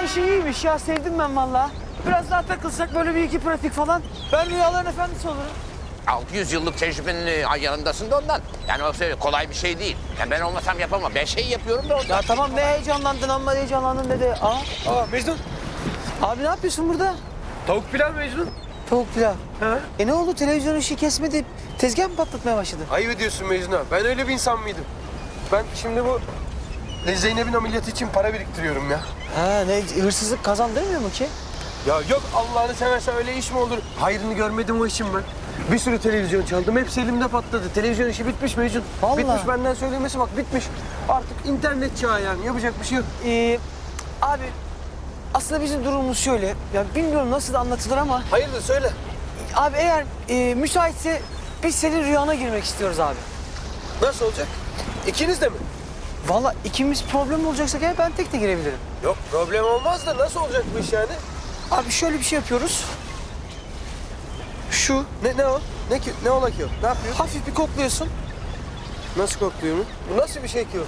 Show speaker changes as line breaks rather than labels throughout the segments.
Vallahi işi iyiymiş ya, sevdim ben vallahi. Biraz daha takılsak böyle bir iki pratik falan. Ben rüyaların efendisi olurum.
600 yıllık tecrübenin yanındasın da ondan. Yani o kolay bir şey değil. Yani ben olmasam yapamam. Ben şey yapıyorum da ondan.
Ya tamam, ne heyecanlandın amma heyecanlandın dedi.
Mecnun.
Abi ne yapıyorsun burada?
Tavuk pilav Mecnun.
Tavuk pilav.
Ha?
Ne oldu, televizyon işi kesmedi, tezgah mı patlatmaya başladı?
Ayıp ediyorsun Mecnun abi. Ben öyle bir insan mıydım? Ben şimdi bu Zeynep'in ameliyatı için para biriktiriyorum ya.
Ha, ne hırsızlık kazan demiyor mu ki?
Ya yok Allah'ını seversen öyle iş mi olur? Hayrını görmedim o işin ben. Bir sürü televizyon çaldım. Hepsi elimde patladı. Televizyon işi bitmiş Mecnun.
Vallahi.
Bitmiş, benden söylemesi bak bitmiş. Artık internet çağı yani. Yapacak bir şey yok.
Abi aslında bizim durumumuz şöyle. Ya bilmiyorum nasıl da anlatılır ama.
Hayırdır söyle.
Abi eğer müsaitse biz senin rüyana girmek istiyoruz abi.
Nasıl olacak? İkiniz de mi?
Vallahi ikimiz problem olacaksa eğer ben tek de girebilirim.
Yok problem olmaz da nasıl olacak bu iş yani?
Abi şöyle bir şey yapıyoruz. Şu
Ne o? Ne ola ki o? Ne yapıyor?
hafif bir kokluyorsun.
Nasıl kokluyor mu? Bu nasıl bir şey ki o?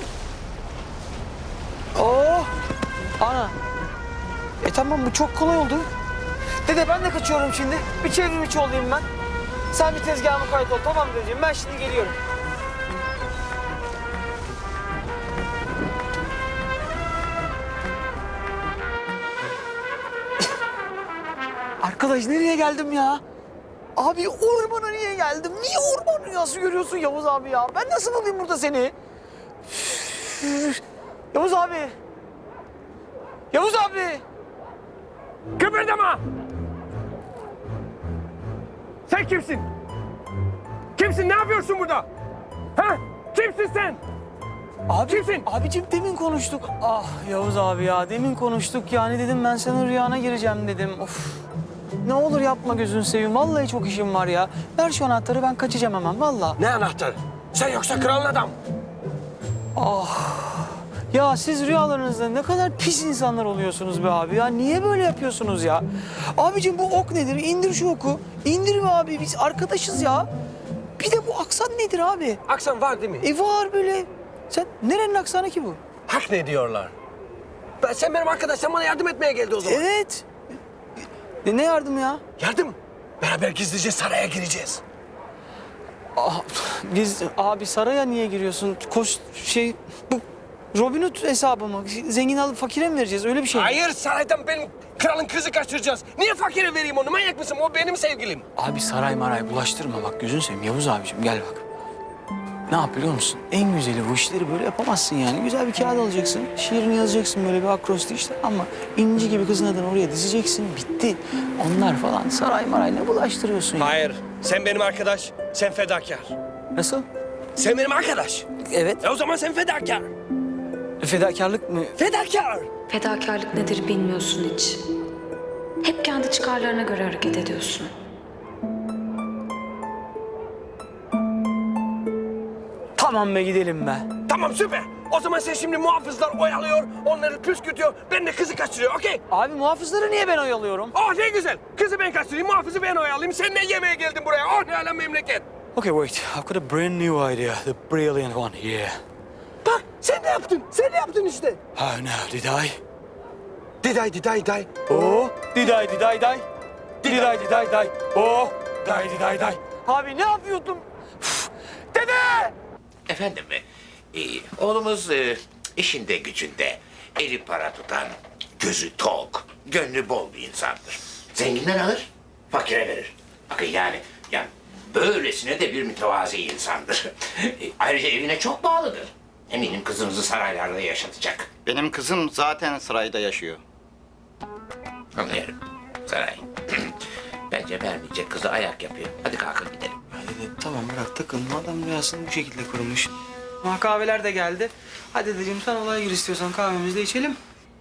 Oh! Ana. Tamam, bu çok kolay oldu. Dede ben de kaçıyorum şimdi. Bir çevrim içi olayım ben. Sen bir tezgahıma kayıt ol, tamam dedeciğim. Ben şimdi geliyorum. Arkadaş nereye geldim ya? Abi ormana niye geldim? Niye orman rüyası görüyorsun Yavuz abi ya? Ben nasıl bulayım burada seni? Yavuz abi. Yavuz abi.
Kıpırdama! Sen kimsin? Kimsin? Ne yapıyorsun burada? Ha? Kimsin sen?
Abi,
Kimsin?
Abicim demin konuştuk. Ah Yavuz abi ya, demin konuştuk yani, dedim ben senin rüyana gireceğim dedim. Of. Ne olur yapma, gözünü seveyim. Vallahi çok işim var ya. Ver şu anahtarı, ben kaçacağım hemen vallahi.
Ne anahtarı? Sen yoksa kralın adam.
Ya siz rüyalarınızda ne kadar pis insanlar oluyorsunuz be abi ya. Niye böyle yapıyorsunuz ya? Abicim bu ok nedir? İndir şu oku. İndir be abi, biz arkadaşız ya. Bir de bu aksan nedir abi?
Aksan var değil mi?
Var böyle. Sen nerenin aksanı ki bu?
Hak ne diyorlar? Sen benim arkadaşım, bana yardım etmeye geldi o zaman.
Evet. Ne yardım ya?
Yardım. Beraber gizlice saraya gireceğiz.
Biz abi saraya niye giriyorsun? Bu Robin Hood hesabı mı? Zengin alıp fakire mi vereceğiz? Öyle bir şey mi?
Hayır, saraydan benim kralın kızı kaçıracağız. Niye fakire vereyim onu? Manyak mısın? O benim sevgilim.
Abi saray maray bulaştırma, bak gözünü seveyim Yavuz abiciğim, gel bak. Ne yap biliyor musun? En güzeli, bu işleri böyle yapamazsın yani. Güzel bir kağıt alacaksın, şiirini yazacaksın böyle bir akrosti işte, ama inci gibi kızın adını oraya dizeceksin, bitti. Onlar falan saray maray ne bulaştırıyorsun ya?
Hayır, sen benim arkadaş, sen fedakar.
Nasıl?
Sen benim arkadaş.
Evet.
O zaman sen fedakar.
Fedakarlık mı?
Fedakar.
Fedakarlık nedir bilmiyorsun hiç. Hep kendi çıkarlarına göre hareket ediyorsun.
Tamam be, gidelim be.
Tamam süper. O zaman sen şimdi muhafızlar oyalıyor, onları püskürtüyor. Ben de kızı kaçırıyor, okey?
Abi muhafızları niye ben oyalıyorum?
Oh ne güzel. Kızı ben kaçırayım, muhafızı ben oyalayayım. Sen ne yemeye geldin buraya? Oh ne alem memleket.
Okay, wait. I've got a brand new idea. The brilliant one. Yeah.
Bak sen ne yaptın? Sen ne yaptın işte?
Oh no, did I?
Diday.
Oh, did I? Did I? Oh, did I? Abi ne yapıyordum? Dede!
Efendim, oğlumuz işinde gücünde eli para tutan, gözü tok, gönlü bol bir insandır. Zenginden alır, fakire verir. Bakın yani böylesine de bir mütevazi insandır. Ayrıca evine çok bağlıdır. Eminim kızınızı saraylarda yaşatacak.
Benim kızım zaten sarayda yaşıyor.
Anlıyorum. Saray. Bence vermeyecek, kızı ayak yapıyor. Hadi kalkın gidelim.
Dede tamam, bırak takılma, adam rüyasını bu şekilde kurmuş. Ama kahveler de geldi. Hadi dedeciğim sen olaya gir, istiyorsan kahvemizi de içelim.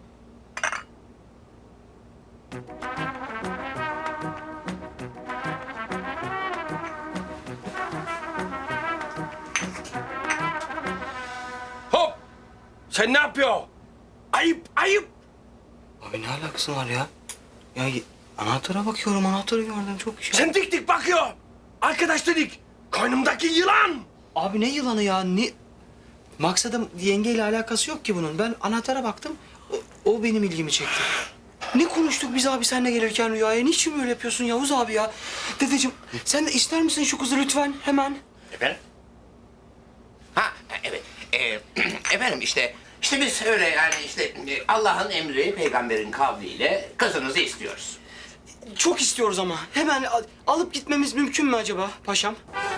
Hop! Sen ne yapıyorsun? Ayıp.
Abi ne alakası var ya? Anahtara bakıyorum, anahtarı gördüm, çok güzel.
Sen dik bakıyor. Arkadaş dedik. Karnımdaki yılan.
Abi ne yılanı ya? Maksadım yengeyle alakası yok ki bunun. Ben anahtara baktım. O benim ilgimi çekti. Ne konuştuk biz abi seninle gelirken rüyaya? Niçin böyle yapıyorsun Yavuz abi ya? Dedeciğim sen de ister misin şu kızı lütfen hemen?
Efendim? Ha evet. Efendim işte biz öyle yani işte Allah'ın emri peygamberin kavliyle kızınızı istiyoruz.
Çok istiyoruz ama. Hemen alıp gitmemiz mümkün mü acaba paşam?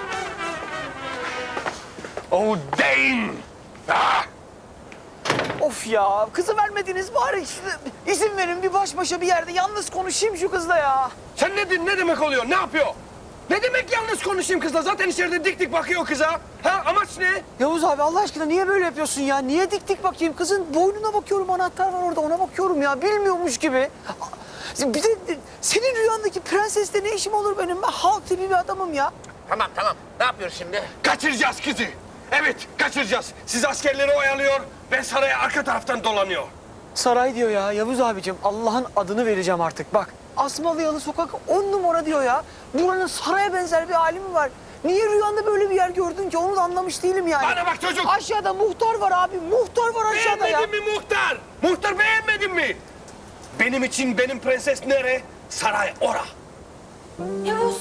Oh Dane! Ah!
Of ya, kızı vermediniz bari işte izin verin bir baş başa bir yerde yalnız konuşayım şu kızla ya.
Sen ne demek oluyor? Ne yapıyor? Ne demek yalnız konuşayım kızla? Zaten içeride dik dik bakıyor kıza. Ha amaç ne?
Yavuz abi Allah aşkına niye böyle yapıyorsun ya? Niye dik dik bakayım? Kızın boynuna bakıyorum, anahtar var orada, ona bakıyorum ya. Bilmiyormuş gibi. Bir de senin rüyandaki prensesle ne işim olur benim? Ben halk tipi bir adamım ya.
Tamam. Ne yapıyoruz şimdi?
Kaçıracağız kızı. Evet, kaçıracağız. Siz askerleri oyalıyor, ben saraya arka taraftan dolanıyor.
Saray diyor ya Yavuz abicim. Allah'ın adını vereceğim artık bak. Asmalıyalı sokak 10 numara diyor ya. Buranın saraya benzer bir hali mi var? Niye rüyanda böyle bir yer gördün ki? Onu da anlamış değilim yani.
Bana bak çocuk.
Aşağıda muhtar var abi. Muhtar var aşağıda ya.
Beğenmedin mi muhtar? Muhtar beğenmedin mi? Benim için benim prenses nere? Saray ora.
Yavuz.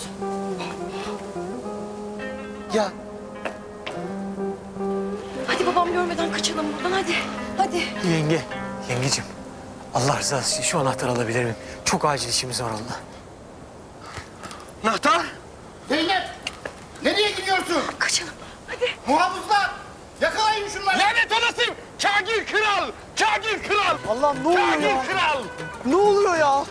Ya
Hadi babam görmeden kaçalım buradan hadi. Hadi.
yengeciğim. Allah rızası için şu anahtarı alabilir miyim? Çok acil işimiz var onunla.
Nahtar.
Zeynep! Nereye gidiyorsun?
Kaçalım. Hadi.
Muhafızlar! Yakalayın şunları!
Lanet olası! Kagir kral! Kagir kral!
Allah'ım ne oluyor ya?
Kagir kral!
Ne oluyor ya?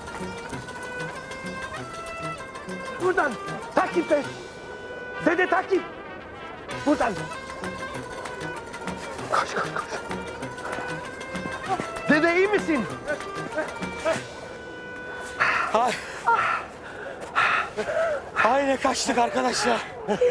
Buradan takip et. Dede takip. Buradan. Koş. Dede iyi misin?
Ay ne kaçtık arkadaş ya.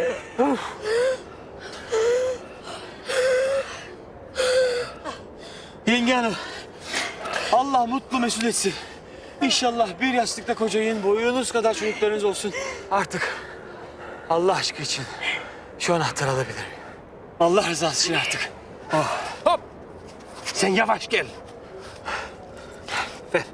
Yenge hanım. Allah mutlu mesut etsin. İnşallah bir yastıkta kocayın, boyunuz kadar çocuklarınız olsun. Artık Allah aşkı için şu anahtarı alabilir miyim? Allah rızası için artık.
Hop. Sen yavaş gel. Ver.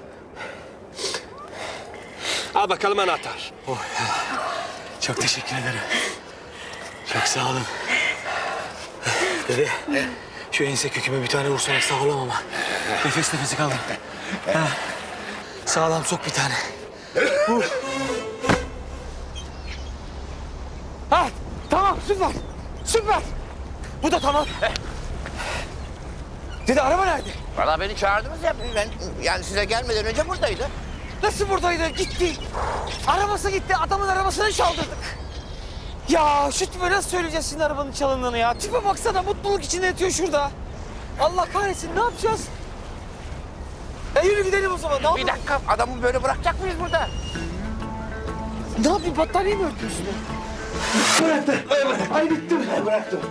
Al bakalım anahtar.
Çok teşekkür ederim. Çok sağ olun. Dede, şu ense köküme bir tane vursana sağlam ama. Nefes nefese kaldım. Ha. Sağlam sok bir tane. Vur. Ha, tamam süper. Süper. Bu da tamam. Dede araba nerede?
Vallahi beni çağırdınız ya ben yani size gelmeden önce buradaydı.
Nasıl buradaydı? Gitti. Arabası gitti. Adamın arabasını çaldırdık. Ya şu tipe nasıl söyleyeceğiz senin arabanın çalındığını ya? Tipe baksana mutluluk içinde yatıyor şurada. Allah kahretsin ne yapacağız? Yürü gidelim o zaman. Ne
Bir
yapayım?
dakika adamı böyle bırakacak mıyız burada?
Ne yapayım? Battaniye mi örtüyorsun?
Bıraktım.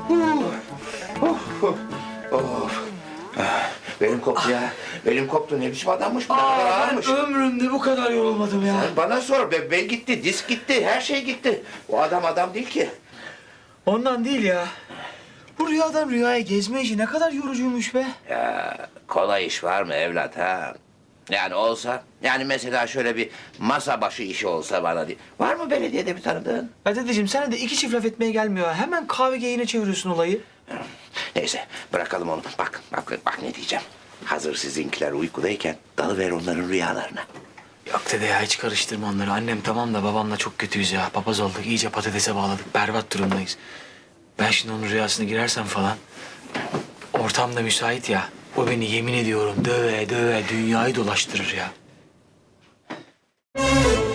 Benim koptu ya. Benim koptu. Ne biçim adammış bu? Ne kadar ağırmış.
Ömrümde bu kadar yorulmadım ya.
Sen bana sor. Ben gitti, disk gitti, her şey gitti. O adam değil ki.
Ondan değil ya. Bu rüyadan rüyaya gezme işi ne kadar yorucuymuş be.
Ya kolay iş var mı evlat ha? Yani olsa, yani mesela şöyle bir masa başı işi olsa bana diye. Var mı belediyede bir tanıdığın?
Ya dedeciğim sana da iki çift laf etmeye gelmiyor. Hemen kahve geyine çeviriyorsun olayı.
Neyse bırakalım onu. Bak ne diyeceğim. Hazır sizinkiler uykudayken dalıver onların rüyalarına.
Yok dede ya hiç karıştırma onları. Annem tamam da babamla çok kötüyüz ya. Papaz olduk, iyice patatese bağladık. Berbat durumdayız. Ben şimdi onun rüyasına girersem falan... Ortam da müsait ya. O beni yemin ediyorum döve döve dünyayı dolaştırır ya.